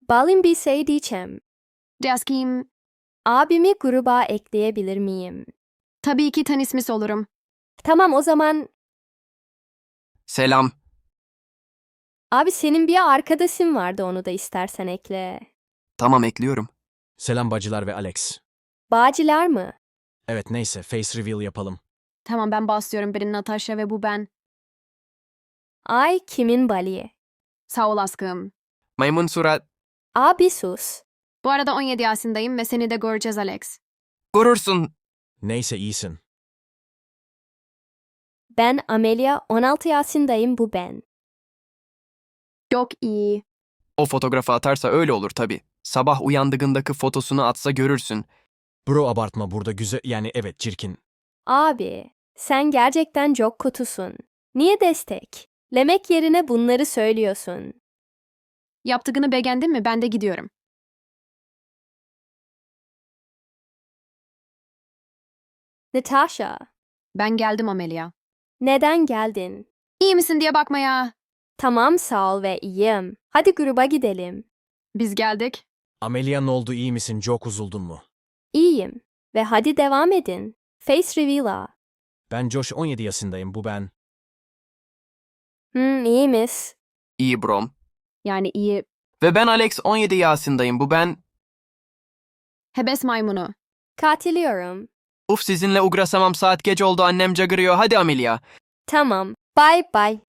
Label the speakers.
Speaker 1: Balin bir şey diyeceğim.
Speaker 2: Jaskim,
Speaker 1: Abimi gruba ekleyebilir miyim?
Speaker 2: tabii ki tanışmış olurum.
Speaker 1: Tamam o zaman.
Speaker 3: Selam.
Speaker 1: Abi senin bir arkadaşın vardı, onu da istersen ekle.
Speaker 3: Tamam, ekliyorum.
Speaker 4: Selam bacılar ve Alex.
Speaker 1: Bağcılar mı?
Speaker 4: Evet neyse face reveal yapalım.
Speaker 2: Tamam ben basıyorum, biri Natasha ve bu ben.
Speaker 1: Ay kimin Bali?
Speaker 2: Sağ ol aşkım.
Speaker 3: Maymun surat.
Speaker 1: Abi sus.
Speaker 2: Bu arada 17 yaşındayım ve seni de göreceğiz Alex.
Speaker 3: Gurursun.
Speaker 4: Neyse iyisin.
Speaker 1: Ben Amelia, 16 yaşındayım, bu ben.
Speaker 2: Çok iyi.
Speaker 3: O fotoğrafı atarsa öyle olur tabii. Sabah uyandığındaki fotosunu atsa görürsün.
Speaker 4: Bro abartma burada güzel yani evet çirkin.
Speaker 1: Abi sen gerçekten çok kötüsün. Niye destek? Lemek yerine bunları söylüyorsun.
Speaker 2: Yaptığını beğendin mi? Ben de gidiyorum.
Speaker 1: Natasha,
Speaker 2: Ben geldim Amelia.
Speaker 1: neden geldin?
Speaker 2: İyi misin diye bakma ya.
Speaker 1: Tamam sağ ol ve iyiyim. Hadi gruba gidelim.
Speaker 2: Biz geldik.
Speaker 4: Amelia ne oldu iyi misin çok uzuldun mu?
Speaker 1: İyiyim. Ve hadi devam edin. Face reveal'a.
Speaker 4: Ben Josh 17 yaşındayım bu ben.
Speaker 1: İyiymiş.
Speaker 3: İyi brom.
Speaker 2: Yani iyi.
Speaker 3: Ve ben Alex 17 yaşındayım. Bu ben.
Speaker 2: Hebes maymunu.
Speaker 1: Katılıyorum.
Speaker 3: Uf sizinle uğraşamam, saat geç oldu, annem cagırıyor. Hadi Amelia.
Speaker 1: Tamam. Bye bye.